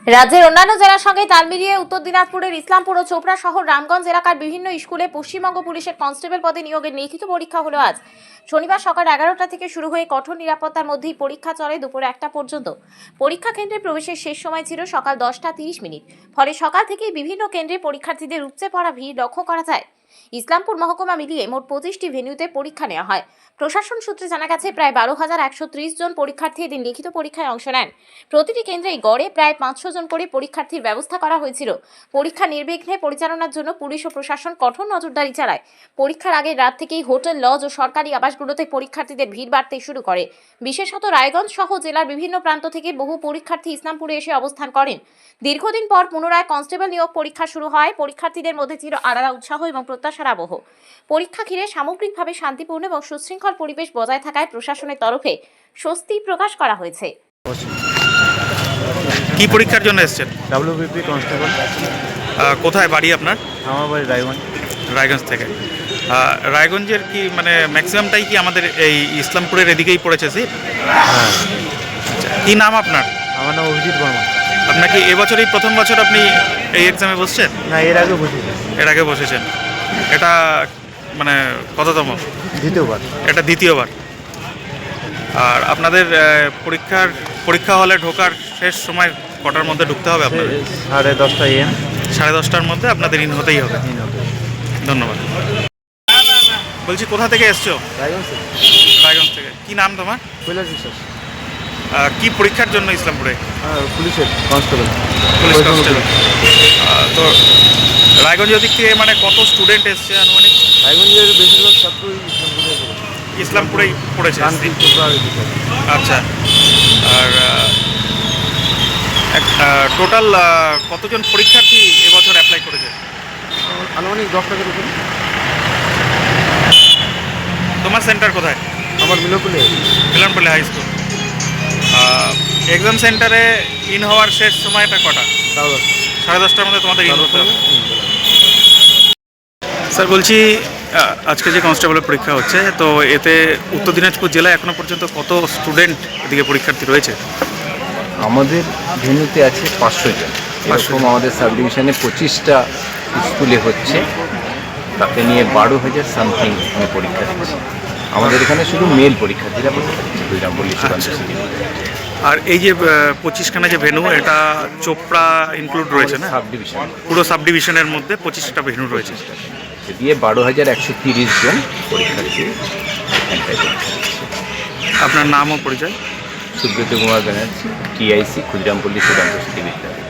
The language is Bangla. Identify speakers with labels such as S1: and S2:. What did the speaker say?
S1: রাজ্যের অন্যান্য জেলার সঙ্গে তাল মিলিয়ে উত্তর দিনাজপুরের ইসলামপুর ও চোপড়া শহর রামগঞ্জ এলাকার বিভিন্ন স্কুলে পশ্চিমবঙ্গ পুলিশের কনস্টেবল পদে নিয়োগের লিখিত পরীক্ষা হলো আজ। শনিবার সকাল 11টা থেকে শুরু হয়ে কঠোর নিরাপত্তার মধ্যেই পরীক্ষা চলে দুপুর 1টা পর্যন্ত। পরীক্ষা কেন্দ্রে প্রবেশের শেষ সময় ছিল সকাল 10টা 30 মিনিট। ফলে সকাল থেকেই বিভিন্ন কেন্দ্রে পরীক্ষার্থীদের উপচে পড়া ভিড় লক্ষ্য করা যায়। ইসলামপুর মহকুমা মিলিয়ে মোট 25টি ভেন্যুতে পরীক্ষা নেওয়া হয়। প্রশাসন সূত্রে জানা গেছে প্রায় 12,130 জন পরীক্ষার্থী এদিন লিখিত পরীক্ষায় অংশ নেন। প্রতিটি কেন্দ্রেই গড়ে প্রায় 500 জন করে পরীক্ষার্থীর ব্যবস্থা করা হয়েছিল। পরীক্ষা নির্বিঘ্নে পরিচালনার জন্য পুলিশ ও প্রশাসন কঠোর নজরদারি চালায়। পরীক্ষার আগের রাত থেকেই হোটেল, লজ ও সরকারি আবাসগুলোতে পরীক্ষার্থীদের ভিড় বাড়তে শুরু করে। বিশেষত রায়গঞ্জ সহ জেলার বিভিন্ন প্রান্ত থেকে বহু পরীক্ষার্থী ইসলামপুরে এসে অবস্থান করেন। দীর্ঘদিন পর পুনরায় কনস্টেবল নিয়োগ পরীক্ষা শুরু হয়। পরীক্ষার্থীদের মধ্যে ছিল আলাদা উৎসাহ এবং প্রত্যাশার আবহ। পরীক্ষা ঘিরে সামগ্রিকভাবে শান্তিপূর্ণ এবং সুশৃঙ্খল পরিবেশ বজায় থাকায় প্রশাসনের তরফে স্বস্তি প্রকাশ করা হয়েছে।
S2: কি পরীক্ষার জন্য এসেছেন?
S3: WBP constable.
S2: কোথায় বাড়ি আপনার?
S3: আমার বাড়ি রায়গঞ্জ।
S2: রায়গঞ্জ থেকে। রায়গঞ্জের কি মানে ম্যাক্সিমামটাই কি আমাদের এই ইসলামপুরের এদিকেই পড়েছে?
S3: হ্যাঁ।
S2: কি নাম আপনার?
S3: আমার নাম অভিজিৎ বর্মা।
S2: আপনার কি এবছরই প্রথম বছর আপনি এই এক্সামে বসছেন?
S3: না, এর আগে বসেছি।
S2: এর আগে বসেছেন। এটা মানে কততম?
S3: দ্বিতীয়বার।
S2: এটা দ্বিতীয়বার। আর আপনাদের পরীক্ষা হলে ঢোকার শেষ সময় কটার মধ্যে ঢুকতে হবে আপনাদের?
S3: 10:30 AM।
S2: 10:30টার মধ্যে আপনাদের ইন হতেই হবে। ধন্যবাদ। বলছি কোথা থেকে এসছো?
S3: রায়গঞ্জ।
S2: রায়গঞ্জ থেকে। কি নাম তোমার?
S3: কৈলাস বিশ্বাস।
S2: কি পরীক্ষার জন্য ইসলামপুরে?
S3: পুলিশের কনস্টেবল।
S2: Police constable. তো রায়গঞ্জের দিক থেকে মানে কত স্টুডেন্ট এসছে আনুমানিক?
S3: রায়গঞ্জের বেশিরভাগ ছাত্রই
S2: ইসলামপুরেই পড়েছে। আচ্ছা। আর টোটাল কতজন পরীক্ষার্থী এবছর অ্যাপ্লাই করেছে?
S3: আনুমানিক 10 টাকার উপরে।
S2: তোমার সেন্টার কোথায়?
S3: আমার
S2: মিলনপল্লী হাই স্কুল। এক্সাম সেন্টারে ইন হওয়ার শেষ সময়টা কটা? 10:30টার মধ্যে তোমাদের ইন হতে হবে। স্যার বলছি আজকে যে কনস্টেবলের পরীক্ষা হচ্ছে, তো এতে উত্তর দিনাজপুর জেলায় এখনো পর্যন্ত কত স্টুডেন্ট এদিকে পরীক্ষার্থী রয়েছে?
S4: আমাদের ভেন্যুতে আছে 500 জন। এরকম আমাদের সাব ডিভিশনে 25টা স্কুলে হচ্ছে, তাতে নিয়ে 12,000 সামথিং পরীক্ষা দিচ্ছে। আমাদের এখানে শুধু মেল পরীক্ষার্থীরা পরীক্ষা দিচ্ছে বৈরামপল্লী সুকান্ত সিটি।
S2: আর এই যে 25খানা যে ভেন্যু, এটা চোপড়া ইনক্লুড রয়েছে না?
S4: সাব ডিভিশন,
S2: পুরো সাব ডিভিশনের মধ্যে 25টা ভেন্যু রয়েছে।
S4: দিয়ে 12,130 জন পরীক্ষার্থী এখানটায় পরীক্ষা দিচ্ছে।
S2: আপনার নাম ও পরিচয়?
S4: সুব্রত কুমার ব্যানার্জি, TIC, ক্ষুদিরামপল্লী সুকান্ত সিটি বিদ্যালয়।